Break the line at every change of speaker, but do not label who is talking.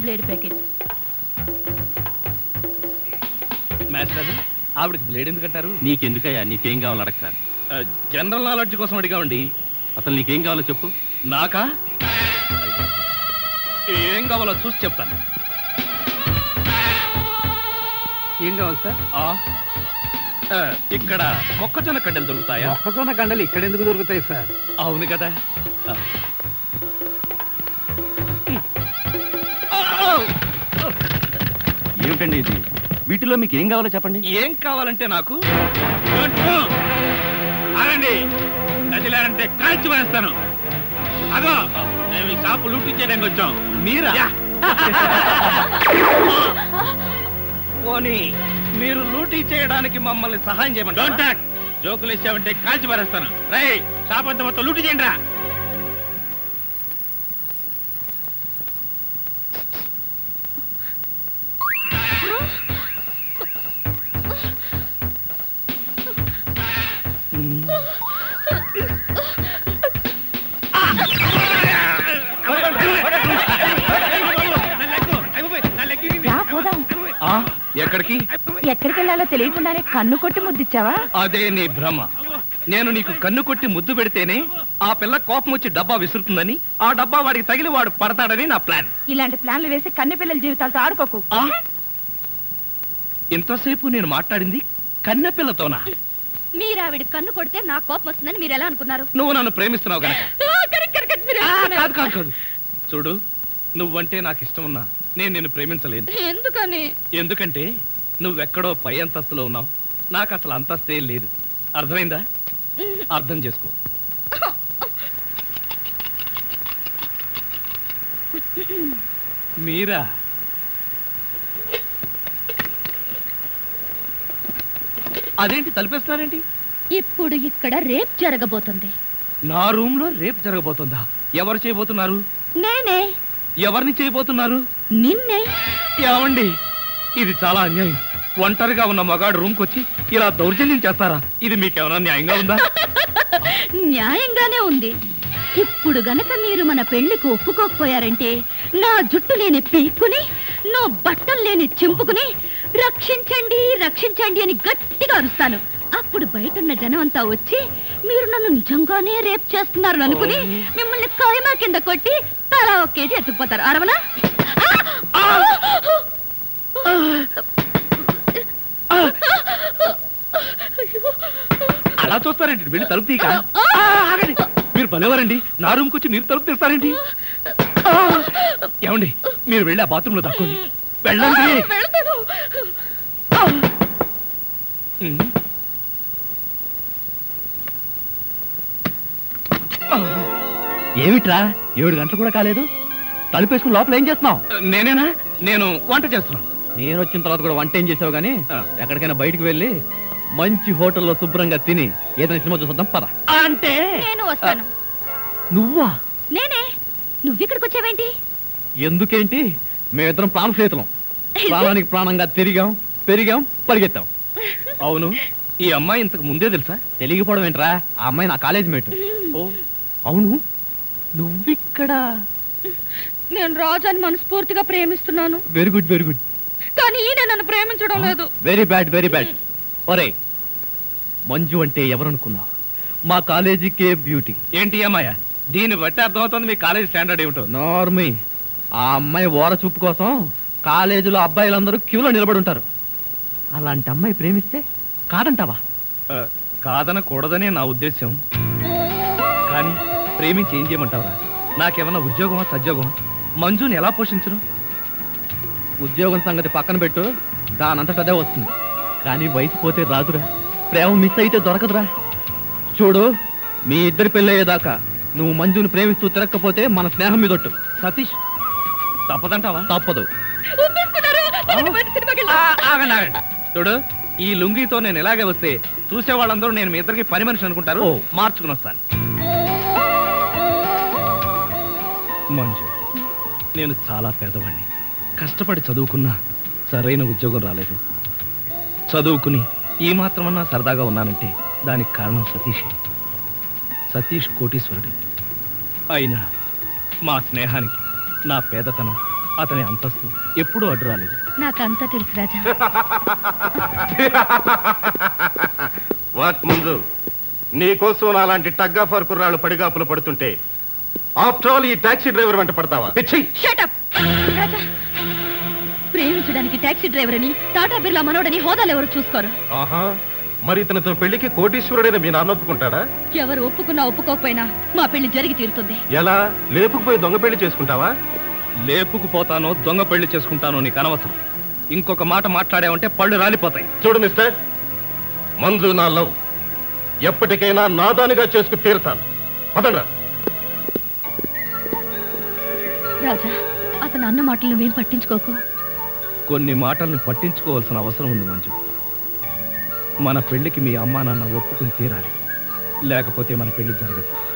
Blade packet.
Master ఆవిడకి blade ఎందుకంటారు?
నీకెందుకయ్యా? నీకేం కావాలో అడక్క.
జనరల్ నాలెడ్జ్ కోసం అడిగామండి.
అసలు నీకేం కావాలో చెప్పు.
నాకా? ఏం కావాలో చూసి చెప్తాను.
ఏం కావాలి సార్?
ఇక్కడ మొక్కజొన్న కండలు దొరుకుతాయా?
మొక్కజొన్న కండలు ఇక్కడ ఎందుకు దొరుకుతాయి సార్?
అవును కదా.
ఏమిటండి ఇది? వీటిలో మీకు ఏం కావాలో చెప్పండి.
ఏం కావాలంటే నాకు
కదిలారంటే కాల్చి వేస్తాను. అదో మేము ఈ షాపు లూటీ చేయడానికి వచ్చాం.
మీరా? పోనీ మీరు లూటీ చేయడానికి మమ్మల్ని సహాయం చేయమంటారా?
జోకులు ఇచ్చావంటే కాల్చి పారేస్తాను. రై షాప్ అంతా మొత్తం లూటీ చేయండి రా.
ఎక్కడికి?
ఎక్కడికి వెళ్ళాలో తెలియకుండానే కన్ను కొట్టి ముద్దిచ్చావా?
అదే నీ భ్రమ. నేను నీకు కన్ను కొట్టి ముద్దు పెడితేనే ఆ పిల్ల కోపం వచ్చి డబ్బా విసురుతుందని, ఆ డబ్బా వాడికి తగిలి వాడు పడతాడని నా ప్లాన్.
ఇలాంటి ప్లాన్లు వేసి కన్నె పిల్లల జీవితాలతో ఆడుకోకు.
ఇంతసేపు నేను మాట్లాడింది కన్నె పిల్లతోనా?
మీరావిడ కన్ను కొడితే నా కోపం వస్తుందని మీరు ఎలా అనుకున్నారు?
నువ్వు నన్ను ప్రేమిస్తున్నావు కనుక. కాదు కాదు కాదు. చూడు, నువ్వంటే నాకు ఇష్టం ఉన్నా నేను నిన్ను ప్రేమించలేను.
ఎందుకని?
ఎందుకంటే నువ్వెక్కడో పై అంతస్తులో ఉన్నావు, నాకు అసలు అంతస్తే లేదు. అర్థమైందా? అర్థం చేసుకో. మీరా? అదేంటి తలిపేస్తున్నారేంటి?
ఇప్పుడు ఇక్కడ రేప్ జరగబోతుంది.
నా రూమ్ లో రేప్ జరగబోతుందా? ఎవరు చేయబోతున్నారు?
నేనే.
ఎవరిని చేయబోతున్నారు?
నిన్నే.
ఏమండి, ఇది చాలా అన్యాయం. ఒంటరిగా ఉన్న మగాడు రూమ్ కొచ్చి ఇలా దౌర్జన్యం చేస్తారా? ఇది మీకేమైనా న్యాయంగా ఉందా?
న్యాయంగానే ఉంది. ఇప్పుడు గనక మీరు మన పెళ్లికి ఒప్పుకోకపోయారంటే నా జుట్టు లేని పీక్కుని, నా బట్టలు లేని చింపుకుని రక్షించండి రక్షించండి అని గట్టిగా అరుస్తాను. అప్పుడు బయటున్న జనం అంతా వచ్చి మీరు నన్ను నిజంగానే రేప్ చేస్తున్నారు అనుకుని మిమ్మల్ని కాయమా కింద కొట్టి తలా ఒక కేజీ ఎత్తుకుపోతారు. అరవనా?
అలా చూస్తారేంటి? వెళ్ళి తలుపు తీయక. మీరు భలేవారండి. నా రూమ్కి వచ్చి మీరు తలుపు తీస్తారేంటి? ఏమండి, మీరు వెళ్ళి ఆ బాత్రూమ్ లో దాక్కోండి. వెళ్ళండి.
ఏమిట్రా 7 గంటలు కూడా కాలేదు, తలుపేసుకుని లోపల ఏం చేస్తున్నావు?
నేనేనా? నేను వంట చేస్తున్నాను.
నేను వచ్చిన తర్వాత కూడా వంట ఏం చేసావు గానీ ఎక్కడికైనా బయటికి వెళ్ళి మంచి హోటల్లో శుభ్రంగా తిని ఏదైనా సినిమా చూద్దాం పద.
అంటే
నేను వస్తాను.
నువ్వా?
నేనే. నువ్విక్కడికి వచ్చావేంటి?
ఎందుకేంటి, మేమిద్దరం ప్రాణ స్నేహితులం. ప్రాణానికి ప్రాణంగా తిరిగాం, పెరిగాం, పరిగెత్తాం.
అవును, ఈ అమ్మాయి ఇంతకు ముందే తెలుసా?
తెలియకపోవడం ఏంట్రా, ఆ అమ్మాయి నా కాలేజ్ మేట్. అవును, నువ్విక్కడ?
నేను రాజాని మనస్ఫూర్తిగా ప్రేమిస్తున్నాను.
Very good very good.
కానీ ఈయన నన్ను ప్రేమించడం లేదు.
Very bad very bad. ఒరే, మంజు అంటే ఎవరనుకున్నావు? మా కాలేజీకే బ్యూటీ.
ఏంటి అమ్మాయ? దీన్ని బట్టి అర్థమవుతుంది మీ కాలేజ్ స్టాండర్డ్ ఏమిటో.
నార్మీ, ఆ అమ్మాయి ఓర చూపు కోసం కాలేజీలో అబ్బాయిలందరూ క్యూలో నిలబడి ఉంటారు. అలాంటి అమ్మాయి ప్రేమిస్తే కాదంటావా?
కాదనకూడదనే నా ఉద్దేశం. కానీ ప్రేమించి ఏం చేయమంటావరా? నాకేమన్నా ఉద్యోగమా సద్యోగమా? మంజుని ఎలా పోషించను?
ఉద్యోగం సంగతి పక్కన పెట్టు, దానంతట అదే వస్తుంది. కానీ వయసు పోతే రాదురా, ప్రేమ మిస్ అయితే దొరకదురా. చూడు, మీ ఇద్దరి పెళ్ళయ్యేదాకా నువ్వు మంజుని ప్రేమిస్తూ తిరగకపోతే మన స్నేహం మీదొట్టు.
సతీష్, తప్పదంటావా?
తప్పదు.
ఆగండి ఆగండి. చూడు, ఈ లుంగితో నేను ఇలాగే వస్తే చూసే వాళ్ళందరూ నేను మీ ఇద్దరికి పని మనిషి అనుకుంటారు. మార్చుకుని వస్తాను. మంజు, నేను చాలా పేదవాడిని. కష్టపడి చదువుకున్నా సరైన ఉద్యోగం రాలేదు. చదువుకుని ఈ మాత్రమన్నా సరదాగా ఉన్నానంటే దానికి కారణం సతీషే. సతీష్ కోటీశ్వరుడు. అయినా మా స్నేహానికి నా పేదతనం అతని అంతస్తు ఎప్పుడూ అడ్డు రాలేదు.
నాకంతా తెలుసు రాజా.
వాట్ ముందు నీకోసం అలాంటి టగ్గాఫర్ కుర్రాళ్ళు పడిగాపులు పడుతుంటే ఆఫ్టర్ ఆల్ ఈ టాక్సీ డ్రైవర్ వెంట పడతావా? పిచ్చి!
Shut up! రాజా, ప్రేమించడానికి టాక్సీ డ్రైవర్ అని టాటా బిర్లా మనోడని హోదాలు ఎవరు చూసుకోరు.
ఆహా, మరి ఇతనితో పెళ్లికి కోటీశ్వరుడైన మీ నాన్న ఒప్పుకుంటాడా?
ఎవరు ఒప్పుకున్నా ఒప్పుకోకపోయినా మా పెళ్లి జరిగి తీరుతుంది.
ఎలా? లేపుకుపోయి దొంగ పెళ్లి చేసుకుంటావా?
లేపుకుపోతానో దొంగ పెళ్లి చేసుకుంటానో నీకు అనవసరం. ఇంకొక మాట మాట్లాడావంటే పళ్ళు రాలిపోతాయి.
చూడు మిస్టర్, మంజు నా లవ్, ఎప్పటికైనా నాదానిగా చేసుకు తీరుతాను. పదండ్రా.
రాజా, అతను అన్న మాటలు నువ్వేం పట్టించుకోకు.
కొన్ని మాటల్ని పట్టించుకోవాల్సిన అవసరం ఉంది మంజు. మన పెళ్లికి మీ అమ్మా నాన్న ఒప్పుకుని తీరాలి, లేకపోతే మన పెళ్లి జరగదు.